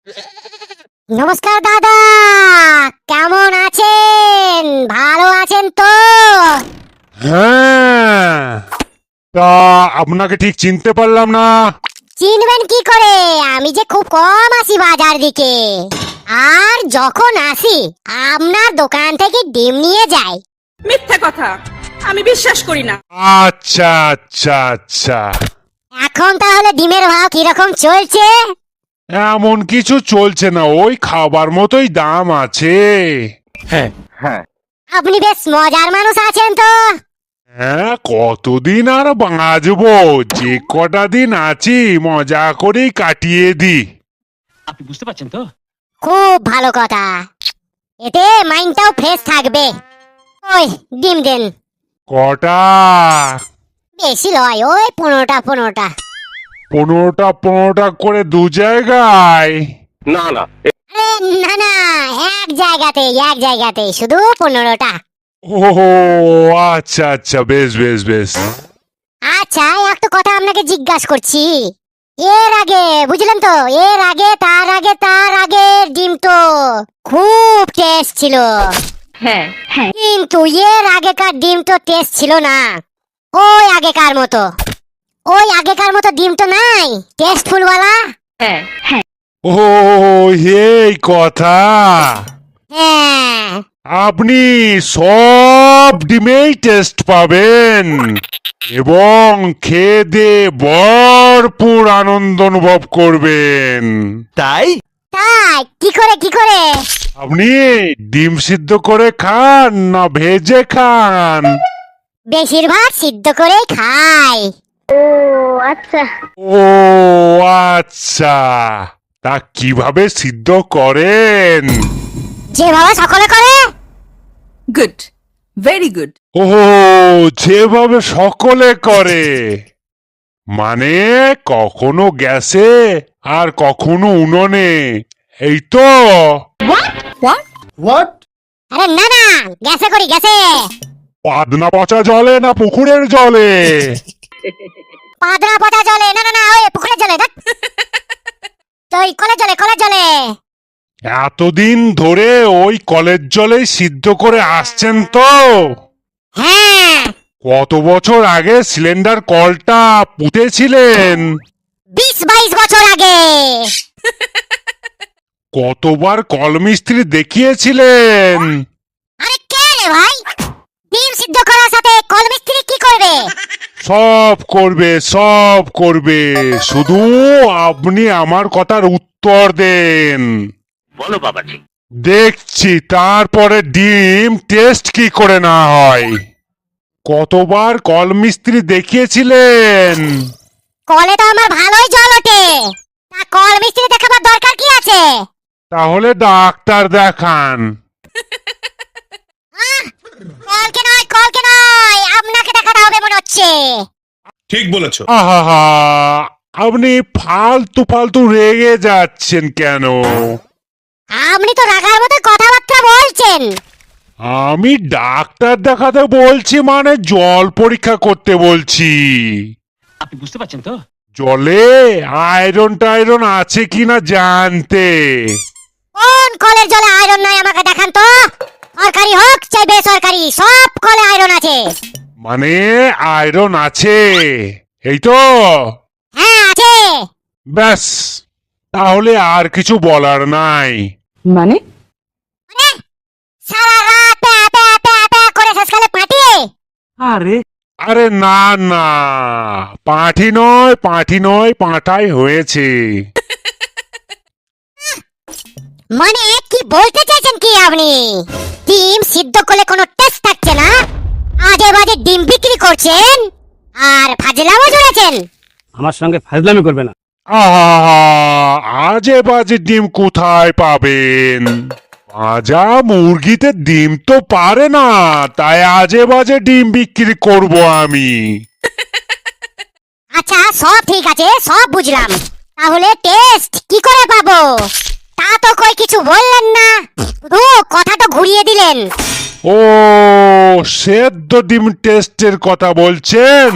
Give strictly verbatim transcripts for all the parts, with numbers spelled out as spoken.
নমস্কার দাদা, কেমন আছেন? ভালো আছেন তো? হ্যাঁ, তা আপনাকে ঠিক চিনতে পারলাম না। চিনবেন কি করে? আমি যে খুব কম আসি বাজার দিকে, আর যখন আসি আপনার দোকান থেকে ডিম নিয়ে যাই। মিথ্যা কথা, আমি বিশ্বাস করি না। আচ্ছা আচ্ছা আচ্ছা, এখন তাহলে ডিমের ভাव কিরকম চলছে? এমন কিছু চলছে না, ওই খাবার মতোই দাম আছে। হ্যাঁ হ্যাঁ আপনি বেশ মজার মানুষ আছেন তো। হ্যাঁ, কতদিন আর বাঁচবো, যে কটা দিন আছি মজা করেই কাটিয়ে দি। আপনি বুঝতে পারছেন তো? খুব ভালো কথা, এতে মাইন্ডটাও ফ্রেশ থাকবে। ওই ডিম দেন। কটা? বেশি লয়, ওই পনেরোটা পনেরোটা। পনেরোটা পনেরোটা করে দু জায়গায়? না না আরে না না, এক জায়গাতে এক জায়গাতে শুধু পনেরোটা। ও আচ্ছা আচ্ছা, বেশ বেশ বেশ। আচ্ছা, একটা কথা আপনাকে জিজ্ঞাসা করছি। এর আগে বুঝলেন তো, এর আগে তার আগে তার আগে ডিম তো খুব টেস্ট ছিল। হ্যাঁ হ্যাঁ কিন্তু এর আগেকার ডিম তো টেস্ট ছিল না ওই আগেকার মতো। ওই আগেকার মতো ডিম তো নাই টেস্টফুল ওয়ালা। হ্যাঁ হ্যাঁ ও এই কথা। হ্যাঁ, আপনি সব ডিমেই টেস্ট পাবেন এবং খেয়ে দিয়ে ভরপুর আনন্দ অনুভব করবেন। তাই তাই কি করে কি করে? আপনি ডিম সিদ্ধ করে খান না ভেজে খান? বেশিরভাগ সিদ্ধ করেই খাই। ও আচ্ছা। ও আচ্ছা, তা কিভাবে সিদ্ধ করেন? যেভাবে সকলে করে। Good, very good. ও যেভাবে সকলে করে, মানে কখনো গ্যাসে আর কখনো উনুনে, এই তো? হোয়াট? আরে না না, গ্যাসে করি গ্যাসে। পাদনা পচা জলে না পুকুরের জলে? পাদরা পচা জলে, না না না, ওই পুকুরের জলে। ধ্যাৎ। তো ওই কলের জলে কলের জলে। এতদিন ধরে ওই কলের জলেই সিদ্ধ করে আসছেন তো? হ্যাঁ, কত বছর আগে সিলিন্ডার কলটা পুঁতেছিলেন? বিশ বাইশ বছর আগে। কতবার কল মিস্ত্রি দেখিয়েছিলেন? আরে কে রে ভাই? ডিম সিদ্ধ করার সাথে কল মিস্ত্রি কি করবে? সব করবে সব করবে, শুধু আপনি আমার কথার উত্তর দেন। বলো বাবাজি। দেখছি তারপরে ডিম টেস্ট কি করে না হয়। কতবার কল মিস্ত্রি দেখিয়েছিলেন? কলে তো আমার ভালোই জল ওঠে, তা কল মিস্ত্রি দেখাবার দরকার কি আছে? তাহলে ডাক্তার দেখান। আহ, কলকে নয় কলকে নয়, আপনাকে দেখাতে হবে মনে হচ্ছে। ঠিক বলেছো। আহা, আপনি ফালতু ফালতু রেগে যাচ্ছেন কেন? আপনি তো রাগার মতো কথাবার্তা বলছেন। আমি ডাক্তার দেখাতে বলছি মানে জল পরীক্ষা করতে বলছি। আপনি বুঝতে পারছেন তো? জলে আয়রন টাইরন আছে কিনা জানতে। কোন কলের জলে আয়রন নাই আমাকে দেখান তো। সরকারি হোক চাই বেসরকারি, সব কলে আয়রন আছে। মানে আয়রন আছে, এই তো? হ্যাঁ আছে। ব্যাস, তাহলে আর কিছু বলার নাই। মানে মানে সারা রাত প্যা প্যা প্যা প্যা করে শেষকালে পাঠিয়ে। আরে আরে না না, পাঁঠি নয় পাঁঠি নয় পাঁঠাই হয়েছে। মানে কি বলতে চাইছেন কি আপনি? ডিম সিদ্ধ করলে কোনো টেস্ট থাকছে না, আজে বাজে ডিম বিক্রি করছেন আর ফাজলামও জড়েছেন। আমার সঙ্গে ফাজলামি করবে না। আহা, আজে বাজে ডিম কোথায় পাবেন? ভাজা মুরগিতে ডিম তো পারে না, তাই আজে বাজে ডিম বিক্রি করব আমি। আচ্ছা সব ঠিক আছে, সব বুঝলাম, তাহলে টেস্ট কি করে পাবো? তা তো কই কিছু বললেন না, শুধু কথাটা ঘুরিয়ে দিলেন। ও সেদ্ধ ডিম টেস্টের কথা বলছেন?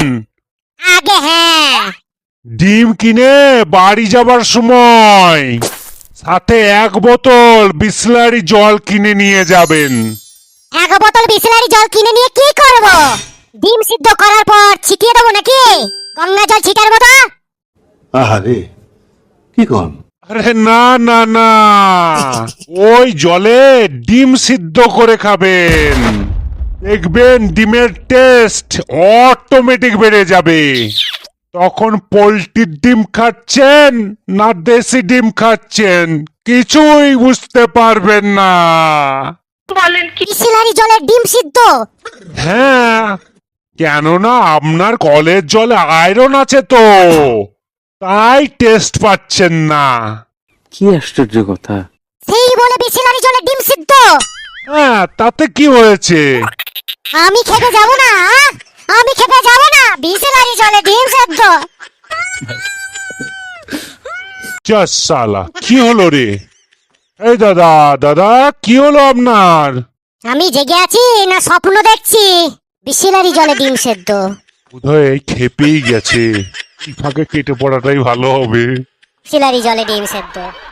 আগে হ্যাঁ। ডিম কিনে বাড়ি যাবার সময় সাথে এক বোতল বিসলারি জল কিনে নিয়ে যাবেন। এক বোতল বিসলারি জল কিনে নিয়ে কি করব? ডিম সিদ্ধ করার পর ছিটিয়ে দেবো নাকি গঙ্গা জল ছিটার মতো? আহারে কি কন? আরে না না না, ওই জলে ডিম সিদ্ধ করে খাবেন, দেখবেন ডিমের টেস্ট অটোমেটিক বেড়ে যাবে। তখন পোল্ট্রির ডিম খাচ্ছেন না দেশি ডিম খাচ্ছেন কিছুই বুঝতে পারবেন না। বিসলারি জলের ডিম সিদ্ধ? হ্যাঁ, কেননা আপনার কলের জলে আয়রন আছে তো, তাই টেস্ট পাচ্ছেন না। কি আশ্চর্য কথা। সেই বলে বিসলারি জলের ডিম সিদ্ধ? হ্যাঁ, তাতে কি হয়েছে? আমি খেতে যাব না, আমি খেতে যাব না বিসলারি জলের ডিম সিদ্ধ। যা শালা, কি হলো রে? এই দাদা দাদা, কি হলো আপনার? আমি জেগে আছি না স্বপ্ন দেখছি? বিসলারি জলে ডিম সেদ্ধ। বোধহয় এই খেপেই গেছে, এই ফাঁকে কেটে পড়াটাই ভালো হবে। বিসলারি জলে ডিম সেদ্ধ।